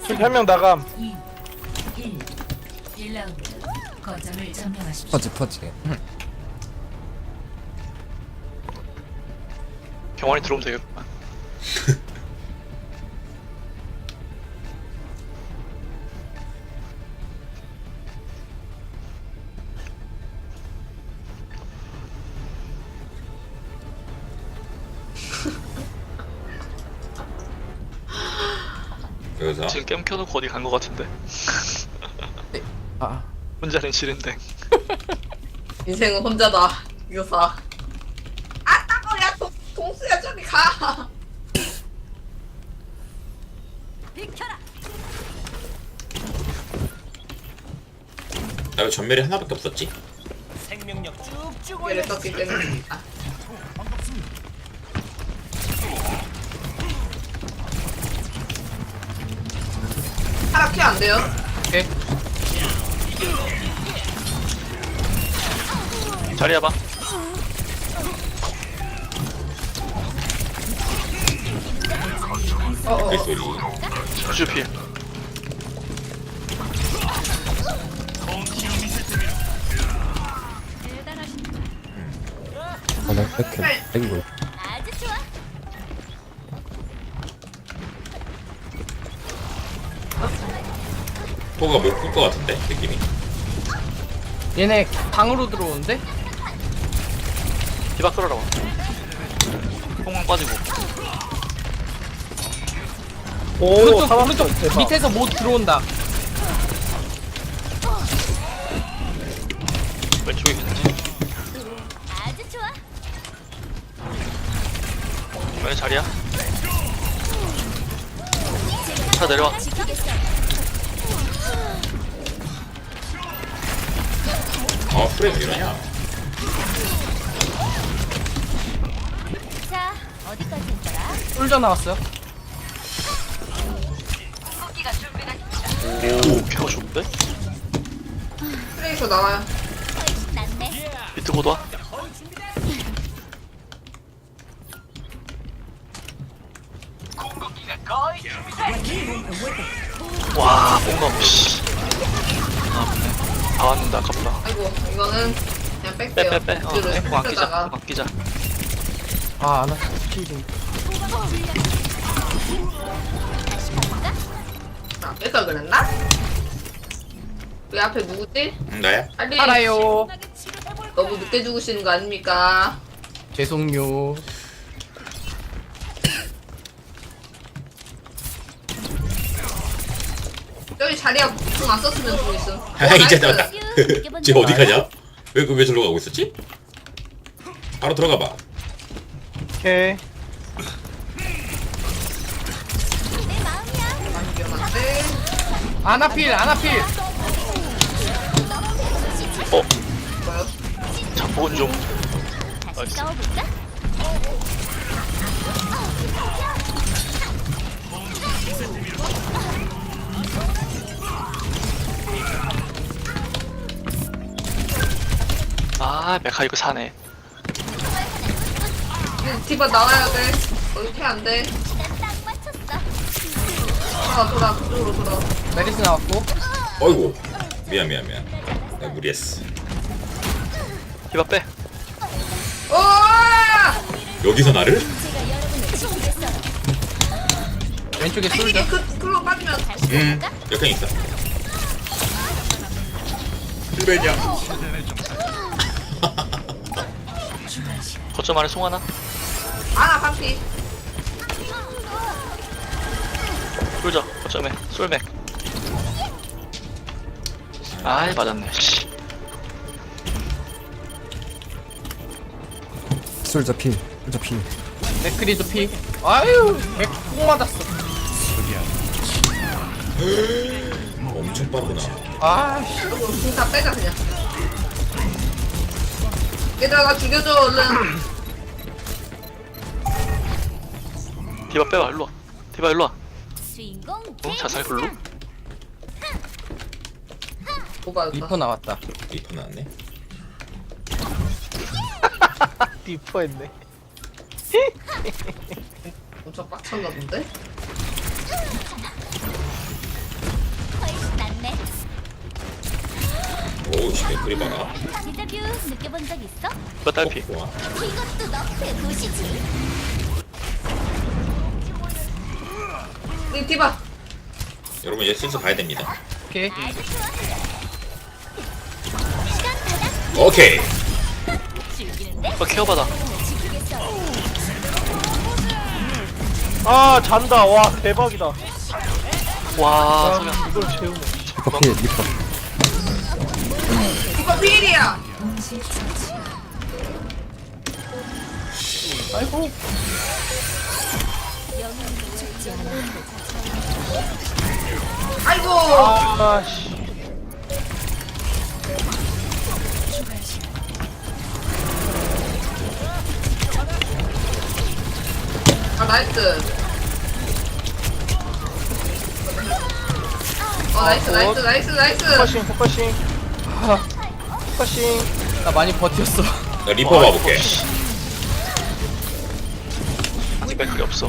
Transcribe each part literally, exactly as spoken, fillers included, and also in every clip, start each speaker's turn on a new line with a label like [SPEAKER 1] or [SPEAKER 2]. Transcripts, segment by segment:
[SPEAKER 1] 한 명 나감.
[SPEAKER 2] 일 라운드 거점을 점령하십시오.
[SPEAKER 3] 퍼지 퍼지.
[SPEAKER 4] 병원에 들어오면 되겠구만.
[SPEAKER 5] 여기서
[SPEAKER 4] 지금 게임 켜놓고 어디 간 거 같은데.
[SPEAKER 3] 아
[SPEAKER 4] 혼자는 싫은데.
[SPEAKER 6] 인생은 혼자다. 유사. 아 따거야 동 동수야 저리 가.
[SPEAKER 2] 비켜라.
[SPEAKER 5] 나 왜 전멸이 하나밖에 없었지?
[SPEAKER 6] 얘를 썼기 때문에. 아. 하락 피안 돼요?
[SPEAKER 3] 오케이.
[SPEAKER 4] 자리 해봐.
[SPEAKER 6] 어어.
[SPEAKER 5] 그 소리.
[SPEAKER 4] 루슈 필.
[SPEAKER 3] 아나 이렇게 이거
[SPEAKER 2] 아주 좋아.
[SPEAKER 5] 포가 못끌것 같은데 느낌이.
[SPEAKER 7] 얘네 방으로 들어오는데?
[SPEAKER 4] 디바 끌어라. 뽕만 빠지고.
[SPEAKER 1] 오,
[SPEAKER 7] 오른쪽
[SPEAKER 1] 사람
[SPEAKER 7] 오른쪽
[SPEAKER 1] 대박.
[SPEAKER 7] 밑에서 못 들어온다.
[SPEAKER 4] 왼쪽에 있는지.
[SPEAKER 2] 아주 좋아.
[SPEAKER 4] 왜 자리야? 차 내려와.
[SPEAKER 2] 지키겠어.
[SPEAKER 5] 아 프레임 왜 이러냐?
[SPEAKER 2] 자, 어디까지 했더라?
[SPEAKER 7] 쫄져 나왔어요.
[SPEAKER 4] 오, 케어 좋은데?
[SPEAKER 6] 트레이서 나와요.
[SPEAKER 2] 훨씬 낫네.
[SPEAKER 4] 비트 곧 와. 와, 뽕넘, 씨. 아, 맞네. 다 왔는데, 아깝다.
[SPEAKER 6] 아이고 이거는 그냥
[SPEAKER 4] 빼,
[SPEAKER 6] 뺄게요.
[SPEAKER 4] 빼, 빼. 어,
[SPEAKER 6] 뷰를
[SPEAKER 4] 뽕 아끼자.
[SPEAKER 6] 쓰다가.
[SPEAKER 4] 뽕 아끼자.
[SPEAKER 7] 아, 아나 스킬이.
[SPEAKER 6] 아, 뺄까 그랬나? 그 앞에 누구지?
[SPEAKER 5] 응, 나야?
[SPEAKER 6] 빨리.
[SPEAKER 7] 알아요.
[SPEAKER 6] 너무 늦게 죽으시는 거 아닙니까?
[SPEAKER 7] 죄송요.
[SPEAKER 6] 저기 자리야 궁안 썼으면 좀 있음. 어,
[SPEAKER 5] 아 이제
[SPEAKER 6] 나이스.
[SPEAKER 5] 나왔다. 쟤 어디 가냐? 왜 왜 저로 가고 있었지? 바로 들어가 봐.
[SPEAKER 1] 오케이.
[SPEAKER 2] 내 마음이야.
[SPEAKER 6] 많이 위험한데.
[SPEAKER 7] 아나필 아나필.
[SPEAKER 4] 어,
[SPEAKER 6] 뭐요?
[SPEAKER 4] 자폭은 좀.
[SPEAKER 2] 다시 싸워볼까?
[SPEAKER 4] 아, 메카 이거 사네.
[SPEAKER 6] 네, 디바 나와야 돼. 이렇게 안 돼.
[SPEAKER 2] 시간 딱 맞췄어.
[SPEAKER 6] 돌아 돌아 그쪽으로 돌아.
[SPEAKER 7] 메리스 나왔고.
[SPEAKER 5] 어이구. 미안 미안 미안. 나 무리했어.
[SPEAKER 4] 디바 빼.
[SPEAKER 6] 오!
[SPEAKER 5] 여기서 나를?
[SPEAKER 2] 제가 여러분을 지키겠어.
[SPEAKER 7] 왼쪽에
[SPEAKER 6] 이게
[SPEAKER 7] 쏠져.
[SPEAKER 6] 그 그로 빠지면
[SPEAKER 2] 다시
[SPEAKER 5] 응.
[SPEAKER 2] 싸워볼까?
[SPEAKER 5] 역행 있어. 일벤이야.
[SPEAKER 4] 거점 안에 송 하나.
[SPEAKER 6] 아나 반피.
[SPEAKER 4] 쏠져. 거점에. 쏠맥. 아이, 맞았네. 씨.
[SPEAKER 3] 솔저 필 솔저 필.
[SPEAKER 7] 맥크리도 피. 아유, 맥꼭 맞았어.
[SPEAKER 5] 엄청 빠르구나.
[SPEAKER 7] 아, 씨.
[SPEAKER 6] 궁다 빼자 그냥. 얘들아 나 죽여줘 얼른.
[SPEAKER 4] 디바 빼봐, 일로 와. 디바 일로 와.
[SPEAKER 2] 주인공
[SPEAKER 4] 어? 자살 글로?
[SPEAKER 6] 오바였다.
[SPEAKER 7] 리퍼 나왔다.
[SPEAKER 5] 리퍼 나왔네.
[SPEAKER 1] 디퍼했네.
[SPEAKER 6] 엄청 빡쳤나 본데?
[SPEAKER 5] 오씨 맥크리 봐라.
[SPEAKER 2] 데자뷰 느껴본 적 있어?
[SPEAKER 4] 이거 딸피.
[SPEAKER 5] 좋아.
[SPEAKER 2] 이것도 너의 도시지.
[SPEAKER 6] 우리 디바.
[SPEAKER 5] 여러분 이제 슬슬 가야 됩니다.
[SPEAKER 7] 오케이.
[SPEAKER 5] 오케이.
[SPEAKER 2] 즐기는데?
[SPEAKER 4] 이거 케어받아.
[SPEAKER 2] 지키겠어.
[SPEAKER 1] 아 잔다. 와 대박이다.
[SPEAKER 4] 와 성현.
[SPEAKER 1] 아, 이걸 채우네.
[SPEAKER 3] 리퍼 필 리퍼.
[SPEAKER 6] 디바 필이야.
[SPEAKER 1] 아이고.
[SPEAKER 2] 영웅은 죽지 않아.
[SPEAKER 6] 아이고.
[SPEAKER 1] 아씨.
[SPEAKER 6] 아 나이스. 어 나이스 나이스 나이스 나이스.
[SPEAKER 1] 포커싱 포커싱. 포커싱.
[SPEAKER 7] 나 많이 버텼어.
[SPEAKER 5] 나 리퍼 봐볼게.
[SPEAKER 4] 아직 맥클이 없어.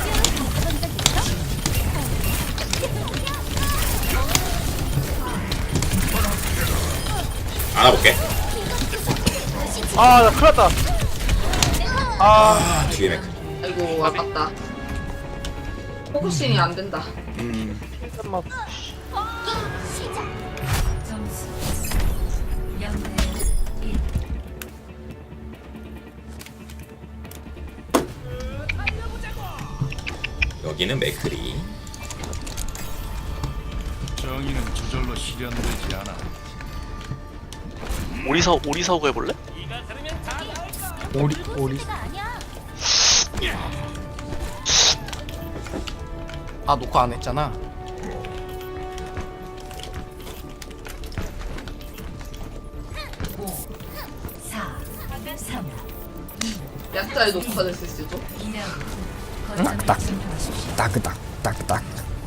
[SPEAKER 5] 안아볼게.
[SPEAKER 1] 아나 큰일났다. 아
[SPEAKER 5] 아 뒤에 맥크리.
[SPEAKER 6] 아이고 아깝다. 포커싱이 안 된다.
[SPEAKER 1] 잠깐만.
[SPEAKER 5] 여기는 맥크리.
[SPEAKER 8] 정의는 저절로 실현되지 않아.
[SPEAKER 4] 오리사 오리사오고 해볼래?
[SPEAKER 3] 오리 오리.
[SPEAKER 2] 아니야.
[SPEAKER 7] 아 녹화 안 했잖아.
[SPEAKER 6] 약자의 녹화를 쓸 수도.
[SPEAKER 3] 딱딱 따그닥 따그닥.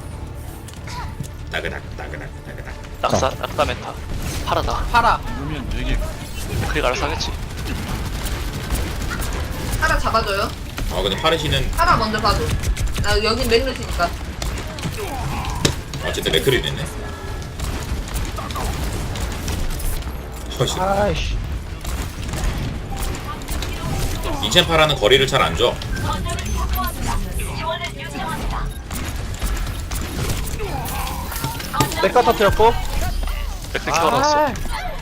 [SPEAKER 5] 따그닥 따그닥 따그닥.
[SPEAKER 4] 낙사 낙사 메타. 파라다.
[SPEAKER 7] 팔아.
[SPEAKER 8] 그러면 되게
[SPEAKER 4] 맥클이 알아서 하겠지.
[SPEAKER 6] 하나 잡아줘요.
[SPEAKER 5] 아 근데 파르시는
[SPEAKER 6] 하나 먼저 봐줘. 나 여긴 맥르시니까.
[SPEAKER 5] 어쨌든 맥크리 됐네. 허씨.
[SPEAKER 1] 아이씨.
[SPEAKER 5] 인첸 파라는 거리를 잘 안 줘.
[SPEAKER 1] 내가 터뜨렸고.
[SPEAKER 4] 맥클 케어놨어.
[SPEAKER 1] 아,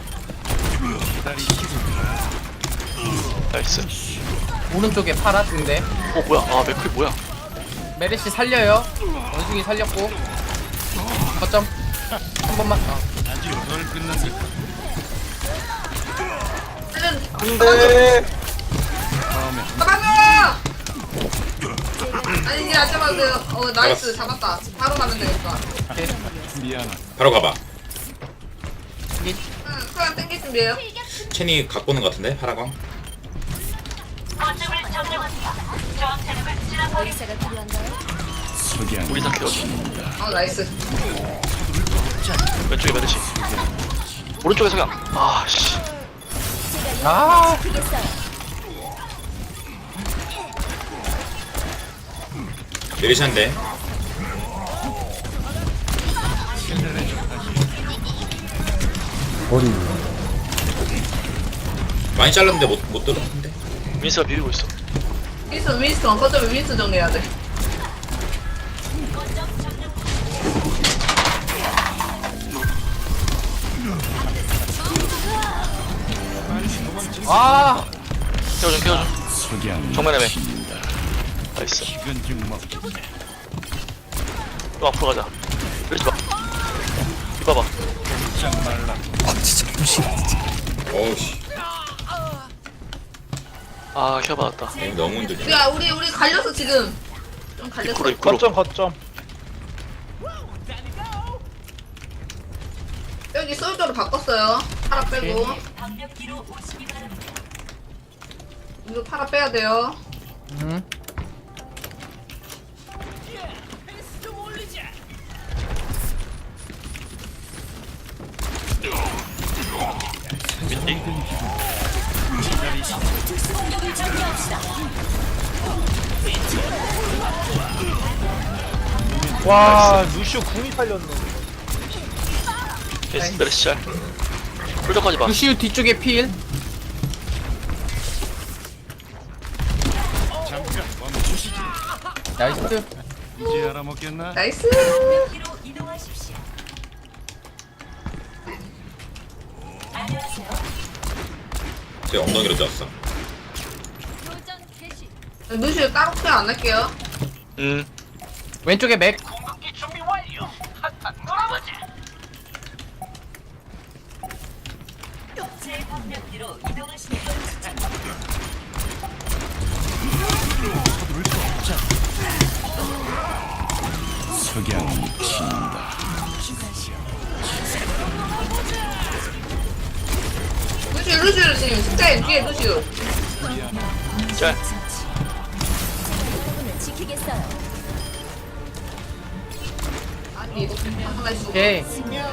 [SPEAKER 4] 나이스.
[SPEAKER 7] 오른쪽에 팔아 근데
[SPEAKER 4] 어 뭐야? 아 맥클이 뭐야?
[SPEAKER 7] 메르시 살려요. 원숭이 살렸고. 거점 한 번만. 어.
[SPEAKER 8] 아직 널 끝난 듯.
[SPEAKER 6] 헬렌
[SPEAKER 1] 안돼.
[SPEAKER 8] 다음에
[SPEAKER 6] 잡아줘. 아니 이제 안 잡아도 돼요. 어 나이스 잡았다. 바로 가면 되겠다.
[SPEAKER 8] 미안하다.
[SPEAKER 5] 바로 가봐.
[SPEAKER 7] 미-
[SPEAKER 6] 응, 소양 땡길 준비해요.
[SPEAKER 5] 첸이 갖고 오는 것 같은데 파라광.
[SPEAKER 2] 의사가 필요한가요?
[SPEAKER 8] 석양.
[SPEAKER 4] 오리사 케어줘.
[SPEAKER 6] 어 나이스.
[SPEAKER 4] 왼쪽에 메르시. 오른쪽에 성현. 아 씨.
[SPEAKER 7] 아
[SPEAKER 2] 지키겠어요.
[SPEAKER 5] 메리샨데.
[SPEAKER 3] 머리.
[SPEAKER 5] 많이 잘랐는데 못, 못 들었는데.
[SPEAKER 4] 민스가 비비고 있어.
[SPEAKER 6] 윈스턴 윈스턴 거점에 윈스턴 정리해야 돼.
[SPEAKER 7] 아.
[SPEAKER 4] 케어줘 케어줘.
[SPEAKER 8] 석양.
[SPEAKER 4] 정면에 매.
[SPEAKER 8] 친다.
[SPEAKER 4] 나이스.
[SPEAKER 8] 식은 죽 먹기.
[SPEAKER 4] 또 앞으로 가자. 그러지 마. 이봐봐.
[SPEAKER 8] 짱 말라.
[SPEAKER 3] 아 진짜 무시.
[SPEAKER 5] 어우씨.
[SPEAKER 4] 아 케어 받았다.
[SPEAKER 5] 게임 너무 힘들지.
[SPEAKER 6] 우리가 우리 우리 갈려서 지금 좀 갈렸어.
[SPEAKER 4] 입구로 입구로.
[SPEAKER 1] 거점 거점.
[SPEAKER 6] 여기 솔저로 바꿨어요. 파라 빼고. 이거 파라 빼야 돼요.
[SPEAKER 7] 음.
[SPEAKER 1] 와 루시오 궁이 살렸네.
[SPEAKER 4] 메르시 메르시 잘. 홀저까지 봐.
[SPEAKER 7] 루시우 뒤쪽에 필.
[SPEAKER 8] 잠깐 멈추시지.
[SPEAKER 7] 나이스.
[SPEAKER 8] 이제 알아먹겠나?
[SPEAKER 6] 나이스.
[SPEAKER 2] 뒤로 이동하십시오.
[SPEAKER 5] 제 엉덩이로 졌어.
[SPEAKER 2] 도전 개시.
[SPEAKER 6] 루시오 따로 표현 안 할게요.
[SPEAKER 4] 음.
[SPEAKER 7] 왼쪽에 맥.
[SPEAKER 2] 제 방면 뒤로 이동하십시오.
[SPEAKER 8] 석양이 친다.
[SPEAKER 6] 루시오 루시오 지금 십자인 뒤에 루시오.
[SPEAKER 4] 짤.
[SPEAKER 2] 부분을 지키겠어요.
[SPEAKER 6] 아니 이거 하나 있어.
[SPEAKER 7] 오케이.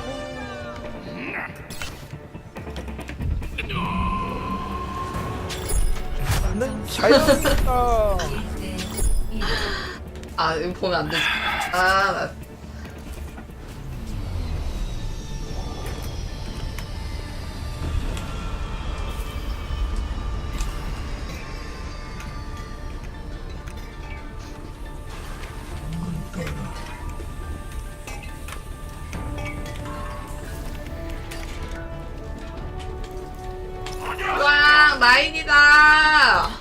[SPEAKER 6] 아 이거 보면 안 되지. 아 나. 와 라인이다.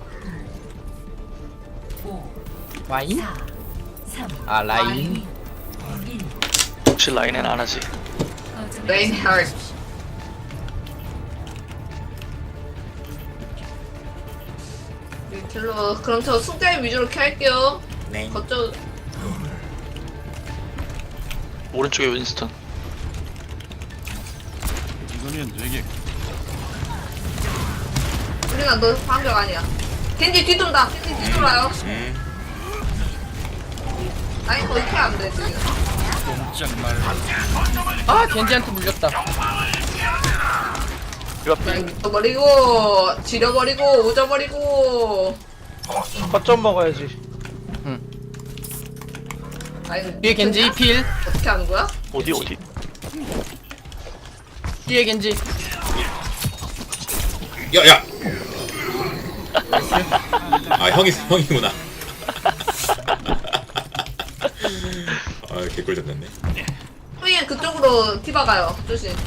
[SPEAKER 7] 와인? 아 라인.
[SPEAKER 4] 혹시 라인엔 안 하지?
[SPEAKER 6] 레인 하트. 딜러 그럼 저 승자인 위주로 켤게요.
[SPEAKER 5] 네.
[SPEAKER 6] 거쳐
[SPEAKER 4] 오른쪽에 윈스턴.
[SPEAKER 8] 이거면 되게
[SPEAKER 6] 우리가 너 방벽 아니야. 겐지 뒤돈다. 겐지 뒤돌아요.
[SPEAKER 5] 음.
[SPEAKER 6] 아니 거의 캐안 돼 지금.
[SPEAKER 8] 꼼짝 말라.
[SPEAKER 7] 아 겐지한테 물렸다.
[SPEAKER 4] 이 앞에.
[SPEAKER 6] 그냥 잊어버리고 지려버리고 오져버리고.
[SPEAKER 1] 거점 먹어야지.
[SPEAKER 6] 아니
[SPEAKER 7] 뒤에 겐지 필.
[SPEAKER 6] 어떻게 하는 거야?
[SPEAKER 4] 어디 어디?
[SPEAKER 7] 뒤에 겐지.
[SPEAKER 5] 야야. 아 형이 형이구나. 아 개꿀 잡혔네.
[SPEAKER 6] 후이엔 그쪽으로 티바 가요. 조심.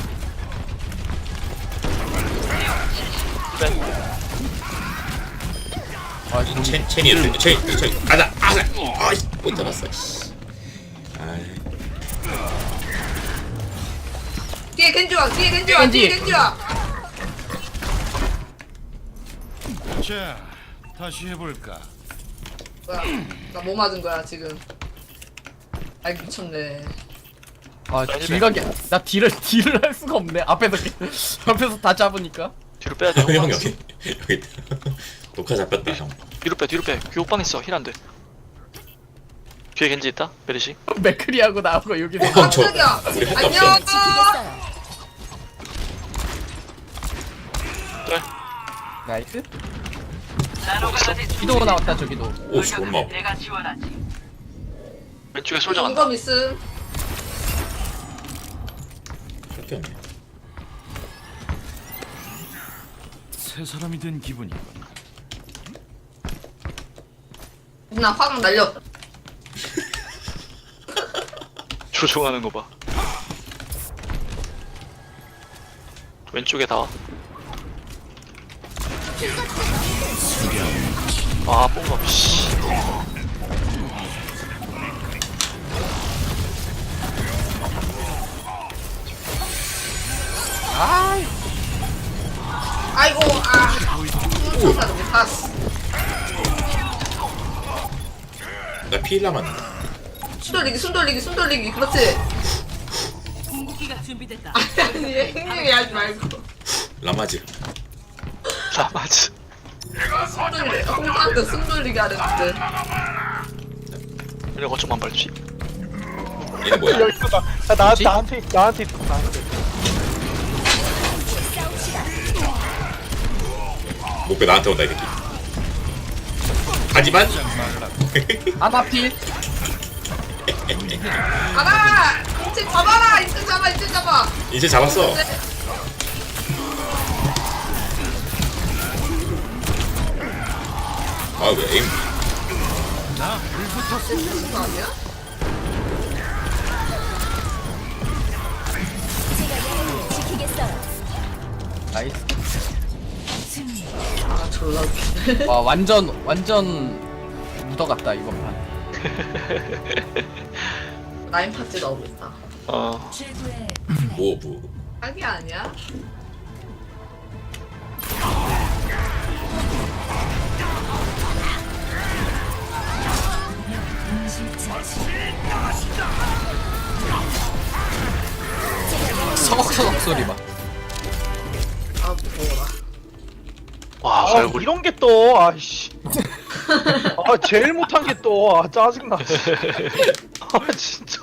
[SPEAKER 7] 아
[SPEAKER 5] 첸 첸이 첸 첸 가자 아자. 아이씨 못 잡았어. 씨. 아이.
[SPEAKER 6] 뒤에 겐지 와. 뒤에 겐지 와.
[SPEAKER 7] 겐지.
[SPEAKER 6] 뒤에 겐지 와.
[SPEAKER 8] 자, 다시 해볼까?
[SPEAKER 6] 뭐야? 나 뭐 맞은 거야 지금? 아이 미쳤네.
[SPEAKER 7] 아 길가게. 나 딜을 딜을 할 수가 없네. 앞에서 앞에서 다 잡으니까.
[SPEAKER 4] 뒤로 빼야 돼.
[SPEAKER 5] 형 여기 여기 있다. 녹화 잡혔다 형.
[SPEAKER 4] 뒤로 빼 뒤로 빼. 교육방 있어. 힐 안 돼. 뒤에 겐지 있다. 베르시.
[SPEAKER 7] 맥크리하고 나하고 여기서.
[SPEAKER 5] 형 저
[SPEAKER 6] 깜짝이야.
[SPEAKER 5] 우리 할 거
[SPEAKER 6] 안녕.
[SPEAKER 5] 없어.
[SPEAKER 2] 지키겠어요.
[SPEAKER 4] 짤.
[SPEAKER 7] 나이스.
[SPEAKER 4] 있어.
[SPEAKER 7] 기도 나왔다 저기도.
[SPEAKER 5] 오씨 엄마.
[SPEAKER 4] 왼쪽에 솔져 간다.
[SPEAKER 6] 이거 미스.
[SPEAKER 5] 그렇게 없네.
[SPEAKER 8] 새 사람이 된 기분이군.
[SPEAKER 6] 나 화강 날려.
[SPEAKER 4] 조종하는 거 봐. 왼쪽에 다 와. 아, 뽕감, 씨.
[SPEAKER 7] 아
[SPEAKER 6] 아이고 아. 훔쳐서 못 봤어.
[SPEAKER 5] 나 피일 남았는데.
[SPEAKER 6] 숨 돌리기 숨 돌리기 숨 돌리기 그렇지.
[SPEAKER 2] 궁극기가 준비됐다.
[SPEAKER 6] 아니 행님이 하지 말고.
[SPEAKER 5] 라마즈.
[SPEAKER 4] 라마즈.
[SPEAKER 6] 숨 돌리래. 홍사한테 숨 돌리게 하랬는데.
[SPEAKER 4] 이런 거좀만 밟지.
[SPEAKER 5] 얘네 뭐야?
[SPEAKER 1] 여기 있어. 나, 나, 나, 나한테, 나한테 있어, 나한테.
[SPEAKER 5] 목표 나한테 온다 이 새끼. 하지만
[SPEAKER 7] 아나 필.
[SPEAKER 6] 가라. 이제 잡아라. 이제 잡아 이제 잡아.
[SPEAKER 5] 이제 잡았어. 아 왜 에임
[SPEAKER 6] 그거 아니야?
[SPEAKER 7] 나이스.
[SPEAKER 6] 아 졸라 웃기네.
[SPEAKER 7] 와 완전 완전 묻어갔다 이번 판.
[SPEAKER 6] 라인 파티 나오고 있다.
[SPEAKER 4] 어
[SPEAKER 5] 오브
[SPEAKER 6] 딱이 아니야?
[SPEAKER 7] 서걱서걱 소리 봐.
[SPEAKER 6] 아 무서워라.
[SPEAKER 4] 와
[SPEAKER 1] 아
[SPEAKER 4] 갈고리
[SPEAKER 1] 이런 게 또 아이씨 아 제일 못한 게 또 아 짜증나 아 진짜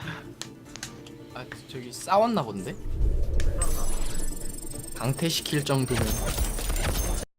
[SPEAKER 7] 아 저기 싸웠나 본데? 강퇴시킬 정도면